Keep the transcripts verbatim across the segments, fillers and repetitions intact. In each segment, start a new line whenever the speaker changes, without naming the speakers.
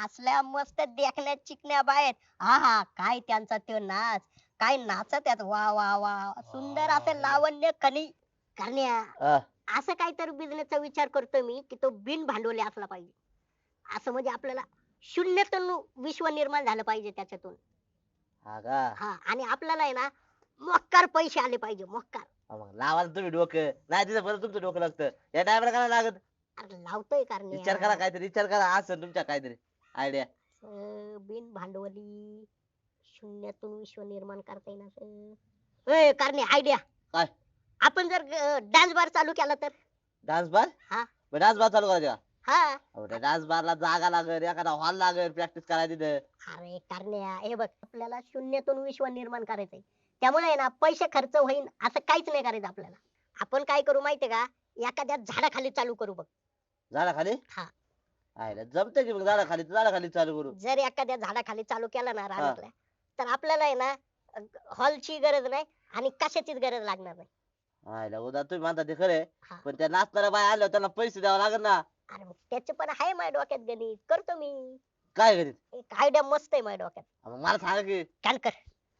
असल्या मस्त देखण्यात चिकण्या बाहेर. हा हा काय त्यांचा तो नाच, काय नाचत आहेत वा वा वा, सुंदर असं लावण्य कणी करण्या.
हा.
असं काहीतरी बिझनेसचा विचार करतोय मी की तो बिन भांडवली असला पाहिजे. असं म्हणजे आपल्याला शून्यातून विश्व निर्माण झालं पाहिजे त्याच्यातून.
हा का?
हा आणि आपल्याला आहे ना मोक्कार पैसे आले पाहिजे मोक्कार.
हा मग लावा ना तुम्ही डोकं, नाही तिथं परत तुमचं डोकं लागतं. या टायमाला काय लागत?
अरे लावतोय
विचार करा
करण्या.
काहीतरी, विचार करा असं तुमच्या काहीतरी आयडिया.
अं, बिन भांडवली शून्यातून विश्व निर्माण करता येईल असं. ए करणे आयडिया.
काय?
आपण जर डान्स बार चालू केला तर.
Dance bar?
हा
डान्स बार चालू करायचा?
हा.
अहो त्या डान्स बारला जागा लागेल, एखादा हॉल लागेल प्रॅक्टिस करायला तिथं.
अरे करण्या हे बघ आपल्याला शून्यातून विश्व निर्माण करायचंय. त्यामुळे आहे ना पैसे खर्च होईल असं काहीच नाही करायचं आपल्याला. आपण काय करू माहितीये का, एखाद्या झाडाखाली चालू करू बघ.
झाडाखाली?
हा.
आयला जमतंय की मग झाडाखाली, झाडाखाली चालू करू.
जर एखाद्या झाडाखाली चालू केलं ना रानातल्या, तर आपल्याला आहे ना हॉलची गरज नाही आणि कशाचीच गरज लागणार नाही.
आयला उद्या तुम्ही म्हणता ते खरे,
हा.
पण त्या नाचणाऱ्या बाय आल्या त्यांना पैसे द्यावे लागेल ना.
अरे मग त्याचे पण आहे माझ्या डोक्यात गणित, करतो मी.
काय करीत?
एक आयडिया मस्त आहे माझ्या डोक्यात.
मग मला सांगा की.
कान कर.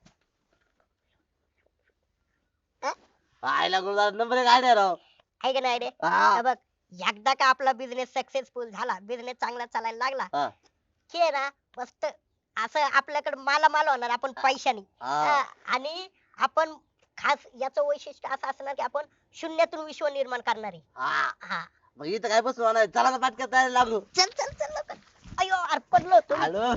आयला गुरुदार नंबर एक आयडिया राव.
आहे का नाही आयडिया?
हा.
बघ एकदा का आपला बिझनेस सक्सेसफुल झाला, बिझनेस चांगला चालायला लागला
हा.
की आहे ना मस्त असं आपल्याकडे मालामाल होणार आपण पैशानी.
हा.
हा, आणि आपण खास याचं वैशिष्ट्य असं असणार की आपण शून्यातून विश्व निर्माण करणार आहे.
हा.
हा
मग इथं काय बसू नाही, चला ना पाटक्यात तयारी लागू.
चल चल चल लवकर. अयो अरे पडलो होतो मी.
हॅलो.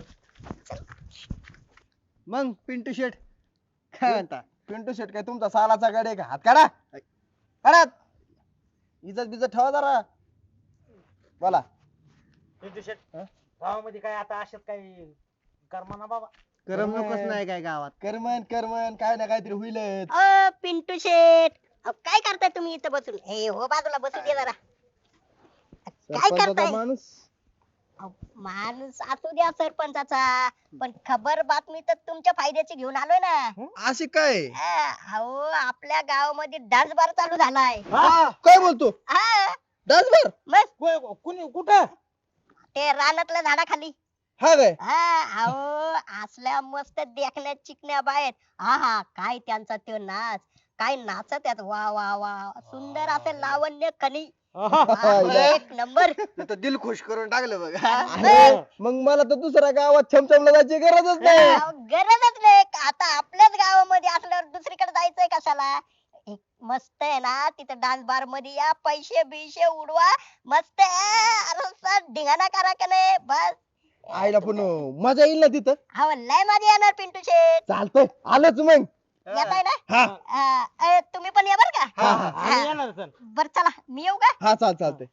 मग पिंटू शेट काय म्हणता? पिंटू शेट काय तुमचा सालाचा गड आहे का? हात काढा काढा, इज्जत बिजत ठेवा जरा. बोला.
पिंटू शेट
हा?
गावामध्ये काय आता अशात काही कर्मा ना बाबा.
करमणूकच नाही
काय गावात.
करमन करमन काय ना काहीतरी होईलच.
अ पिंटू शेठ अहो, काय करताय तुम्ही इथं बसून? हे हो बाजूला बसू दे जरा. काय
सरपंचाचा
करताय?
माणूस.
अहो, माणूस असू द्या सरपंचाचा, पण खबर बातमी तर तुमच्या फायद्याची घेऊन आलोय ना.
अशी काय?
हा, अहो आपल्या गावामध्ये डान्स बार चालू झालाय.
काय बोलतो?
हा
डान्स बार?
मग
कुणी कुठं?
ते रानातल्या झाडाखाली.
हा काय?
हा अहो असल्या मस्त देखण्यात चिकण्या बाहेर. हा हा काय त्यांचा तो नाच, काय नाचत आहेत वा वा वा, सुंदर असं लावण्य कणी. एक नंबर.
तर दिल खुश करून टाकलं बघ.
अरे, मग मला तर दुसऱ्या गावात छमछमला जायची गरजच नाही.
अहो, गरजच नाही. आता आपल्याच गावामध्ये असल्यावर दुसरीकडे जायचंय कशाला? एक मस्त आहे ना तिथं डान्स बार मध्ये या, पैसे बिशे उडवा, मस्त आहे. अरे सर धिंगाणा करा का नाही बस.
आईला पण मजा येईल ना तिथं.
हा लय मध्ये येणार पिंटू शेठ.
चालतंय आलोच मग.
येताय ना?
हा
अं, अं, तुम्ही पण या बर का.
हा हा
आम्ही येणार सर.
बर चला मी येऊ का?
हा चाल चालतंय.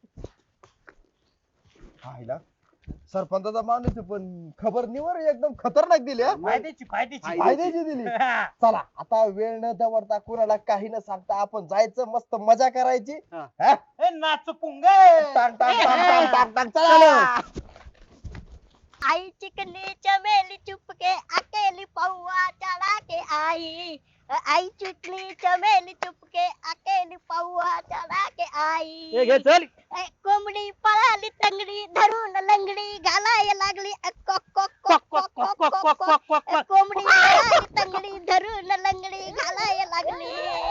आईला सरपंचाचा माणूस आहे, पण खबर निवर एकदम खतरनाक दिली हा.
फायद्याची फायद्याची.
फायद्याची दिली. चला आता वेळ न दवडता कुणाला काही न सांगता आपण जायचं, मस्त मजा करायची.
हा.
हा?
ए, नाच पुंग.
टांग, टांग, टांग, टांग, टांग, टांग, चला.
आई चिकनी चमेली चुपके अकेली पौआ चढ़ा के आई. आई चिकनी चमेली चुपके अकेली पौआ चढ़ा के आई.
ए, घे चल.
ए, कोंबडी पळाली तंगडी धरून लंगडी घालाय लागली अ, कोक कोक कोक कोक कोक कोक कोक कोक.
क्वाक.
ए, कोंबडी पळाली तंगडी धरून लंगडी घालाय लागली.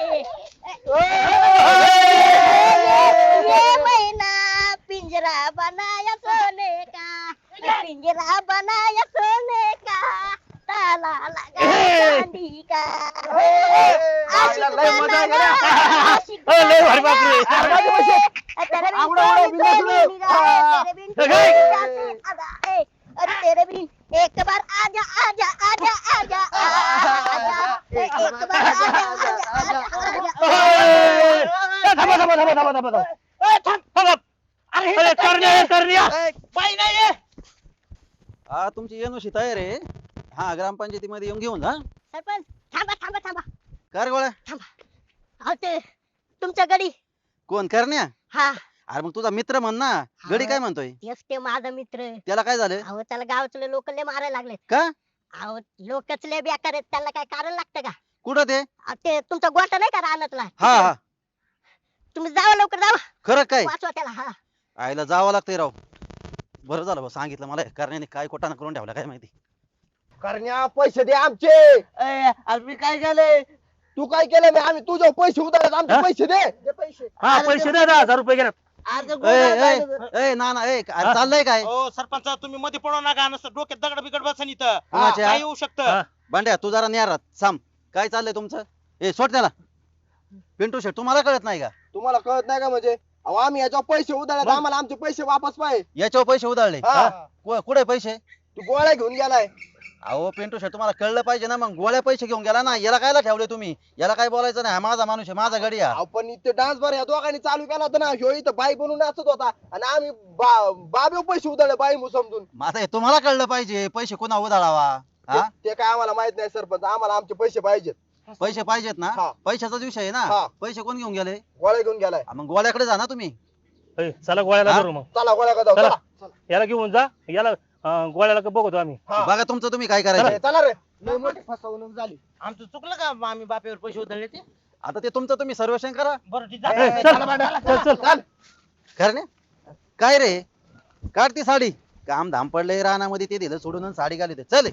ये मैना पिंजरा बनाया सोने का, पिंजरा बनाया सोने का, ताला लगा चांदी का. आशिक
लय मजा
बनाना,
केली.
आशिक
ए, लय भारी
बनाना.
बापरे.
ए, तेरे बिन
आवडा,
कोई
आवडा, बिंदास
कोई
लो.
निगाह, तेरे बिन
ए,
कोई
ए.
निगाह से अदा. ए, अरे तेरे बिन एक बार आजा आजा आजा आजा आजा. ए, एक बार आजा आजा आजा
ए,
आजा.
थांबा थांबा थांबा थांबा थांबा थांबा. ए, थांब थांब. अरे करण्या करण्या. बाई नाही आहे.
हा तुमची एनओसी तयार आहे. हा ग्रामपंचायतीमध्ये येऊन घेऊन जा.
सरपंच थांबा थांबा थांबा
कर गोळ्या.
अहो ते तुमच्या गडी.
कोण करण्या?
हा
अरे मग तुझा मित्र म्हण ना. गडी काय म्हणतोय?
तेच ते माझा मित्र.
त्याला काय झालं?
अहो त्याला गावातले लोक लय मारायला लागले.
का?
अहो लोकच लय बेकार आहेत, त्याला काय कारण लागतं का?
कुठं ते?
अहो, ते तुमचा गोटा नाही का रानातला?
हा हा
तुम्ही जावा लवकर जावा,
खरं काय?
वाचवा त्याला. हा
आईला जावं लागतंय राव. बरं झालं भाऊ सांगितलं मला करण्याने काय कोटाना करून ठेवला काय माहिती.
करण्या पैसे दे आमचे.
ए, अरे मी काय केलंय?
तू काय केलं नाही आम्ही तुझ्या पैसे उधारत आमचे
हा?
पैसे दे दे पैसे.
हा पैसे दे दहा हजार रुपये गेले.
अरे ते
ए,
गोळ्या
ए,
पाहिलं.
ए, ना ना ए अरे चाललंय काय
हो सरपंच तुम्ही मध्ये पडू नका नसतं डोक्यात दगड बिगड बसन इथं
कुणाच्या?
काय येऊ शकतं
हा.
भांड्या तू जरा न्यारात साम काय चाललंय तुमचं. ए सोड त्याला. पिंटू शेट तुम्हाला कळत नाही का
तुम्हाला कळत नाही का म्हणजे अहो आम्ही याच्यावर पैसे उधारत
मग?
आम्हाला आमचे पैसे वापस पाहिजे.
याच्यावर पैसे उधळले
हा.
कु- कुठे पैसे.
तू गोळ्या घेऊन गेलाय.
अहो पिंटू शेट तुम्हाला कळलं पाहिजे ना मग गोळ्या पैसे घेऊन गेला ना याला कायला ठेवले तुम्ही. याला काय बोलायचं नाही हा माझा माणूस आहे माझा गडी आहे.
अहो, पण इथे डान्स बार या दोघांनी चालू केला होता ना ह्यो इथं बाई बनून नाचत होता आणि आम्ही बाबे पैसे उधळले बाई मु समजून.
माझं हे तुम्हाला कळलं पाहिजे पैसे कोणा उधळावा. हा
ते ते काय आम्हाला माहित नाही सरपंच आम्हाला आमचे पैसे पाहिजेत.
पैसे पाहिजेत ना
हा.
पैशाचाच विषय आहे
हा.
ना. पैसे कोण घेऊन गेले.
गोळ्या घेऊन गेलाय.
हा, मग गोळ्याकडे जा ना तुम्ही.
ए, चला गोळ्याला
हा?
धरू मग.
चला गोळ्या का जाऊ
चला.
चला
याला घेऊन जा याला अं, गोळ्याला का बघतो आम्ही.
हा.
बघा तुमचं तुम्ही काय करायचं.
ए, चला रे लय मोठी फसवणूक झाली.
आमचं चुकलं का आम्ही बापेवर पैसे उधळले ते?
आता ते तुमचं तुम्ही सर्वेक्षण करा.
बरं ठीक
ए,
आहे.
ए,
चल.
चला भांड्या.
चल चल
करणे काय रे काढ ती साडी काम धाम पडले रानामध्ये ते दिलं सोडून आणि साडी घाली ते चल.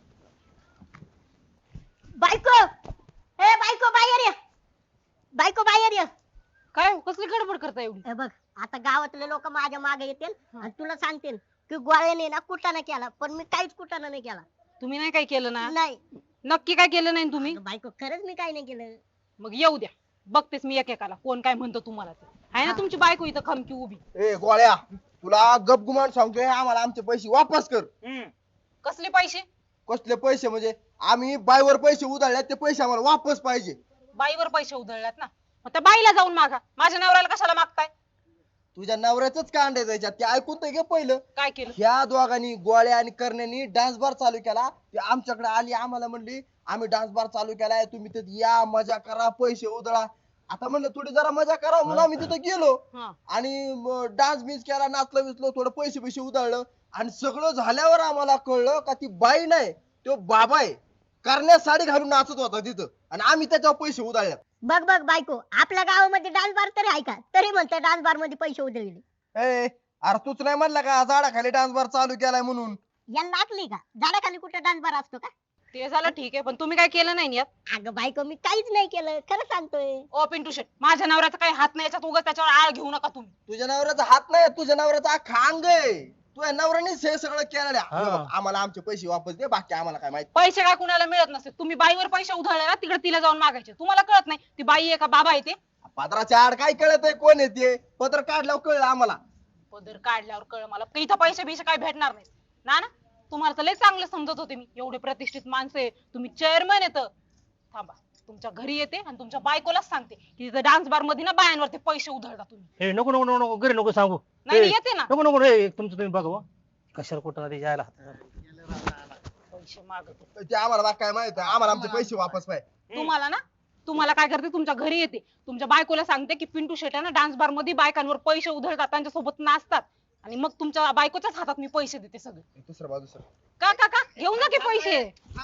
बायको ए बायको बाहेर ये. बायको बाहेर ये.
काय कसली गडबड करता एवढी.
हे बघ आता गावातले लोक माझ्या मागे येतील आणि तुला सांगतील की गोळ्याने ना कुटाणा केला पण मी काहीच कुटाणा नाही केला.
तुम्ही नाही काय केलं ना.
नाही
नक्की काय केलं नाही तुम्ही.
अगं बायको खरंच मी काही नाही केलं.
मग येऊ द्या बघतेस मी एकेकाला कोण काय म्हणतो तुम्हाला ते आहे ना
हा.
तुमची बायको इथं खमकी उभी.
ए गोळ्या तुला गप गुमान सांगतोय आम्हाला आमचे पैसे वापस कर.
कसले पैसे.
कसले पैसे म्हणजे आम्ही बायवर पैसे उधळले ते पैसे आम्हाला वापस पाहिजे.
बाईवर पैसे उधळल्यात ना मग त्या बाईला जाऊन मागा माझ्या नवऱ्याला कशाला मागताय.
तुझ्या नवऱ्याच का अंडे द्यायच्यात ते ऐकून तर घे पहिलं.
काय केलं.
ह्या दोघांनी गोळ्या आणि करण्यानी डान्स बार चालू केला ते आमच्याकडे आली आम्हाला म्हणली आम्ही डान्स बार चालू केलाय तुम्ही तिथे या मजा करा पैसे उधळा. आता म्हणलं थोडी जरा मजा करा म्हणून आम्ही तिथे गेलो
हा.
आणि डान्स बिन्स केला नाचलो बिचलो थोडं पैसे पैसे उधळलं आणि सगळं झाल्यावर आम्हाला कळलं का ती बाई नाही तो बाबा आहे. करण्यास साडी घालून नाचत होता तिथं आणि आम्ही त्याच्यावर पैसे उधळले.
बघ बघ बायको आपल्या गावामध्ये डान्स बार तरी आहे का तरी म्हणते डान्स बार मध्ये पैसे उधळले.
ए अरे तूच नाही म्हणला का झाडाखाली डान्स बार चालू केलाय म्हणून.
यांना लागली का झाडाखाली कुठे डान्स बार असतो का.
ते झालं ठीक आहे पण तुम्ही काय केलं नाही यात.
अगं बायको मी काहीच नाही केलं खरं सांगतोय.
ओ पिंटू शेट माझ्या नवऱ्याचा काही हात नाही याच्यात उगाच त्याच्यावर आळ घेऊ नका तुम्ही.
तुझ्या नवऱ्याचा हात नाही तुझ्या नवऱ्याचा अख्खा अंग आहे. तुझ्या नवऱ्यानेच हे सगळं केलेलं आहे.
हा.
हे बघ, आम्हाला आमचे पैसे वापस दे बाकी आम्हाला काय माहिती.
पैसे काय कुणाला मिळत नसते तुम्ही बाईवर पैसे उधळले ना तिकडे तिला जाऊन मागायचे. तुम्हाला कळत नाही ती बाई आहे का बाबा आहे ते.
पदराच्या आड काय कळत आहे कोण येते पत्र काढल्यावर कळलं आम्हाला.
पदर काढल्यावर कळ मला की इथं पैसे बिसे काय भेटणार नाही ना ना. तुम्हाला तर लय चांगलं समजत होते मी एवढे प्रतिष्ठित माणसं आहे तुम्ही चेअरमन येत. थांबा तुमच्या घरी येते आणि तुमच्या बायकोलाच सांगते की तिथं डान्स बार मध्ये ना बायांवरती पैसे उधळता तुम्ही.
हे नको नको नको नको घरी नको सांगू.
नाही
ए,
नाही, येते ना
नको नको रे तुमचं तुम्ही बघा बुवा. कशाला कुठं ते यायला.
पैसे मागत.
ते आम्हाला बाकी काय माहित आहे. आम्हाला आमचे पैसे वापस पाहिजे.
तुम्हाला ना तुम्हाला काय करते तुमच्या घरी येते तुमच्या बायकोला सांगते की पिंटू शेट आहे ना डान्स बार मध्ये बायकांवर पैसे उधळतात त्यांच्यासोबत नाचतात आणि मग तुमच्या बायकोच्याच हातात मी पैसे देते सगळे.
दुसरं बाजू सर
का का का घेऊन जा की पैसे.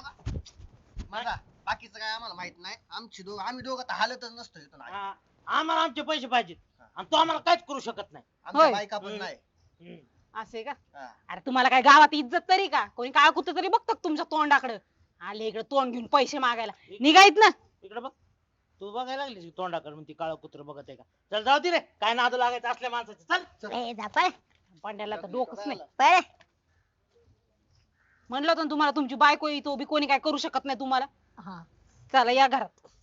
बघा बाकीचं काय आम्हाला माहित नाही आमची दोघ आम्ही दोघं तर हालतच नसतो इथून आधी.
हा, आम्हाला आमचे पैसे पाहिजेत आणि तो आम्हाला काहीच करू शकत नाही.
आमच्या
होय.
बायका पण नाही.
हम्म.
असे का.
हा.
अरे तुम्हाला काय गावात इज्जत तरी का कोणी काय कुठं तरी बघतात तुमच्या तोंडाकडे. आले इकडे तोंड घेऊन पैसे मागायला निघायत ना.
इकडे बघ तू बघायला लागली तोंडाकडे म्हणती काळ कुत्र बघत आहे का. चल जाऊ दे रे काय नादू लागायचं असल्या माणसाचे. चल
ए जा पळ
पांड्याला तर डोकंच नाही.
पळ.
म्हणलं होतं ना तुम्हाला तुमची बायको येतो बी कोणी काय करू शकत नाही तुम्हाला.
हा
चला या घरात.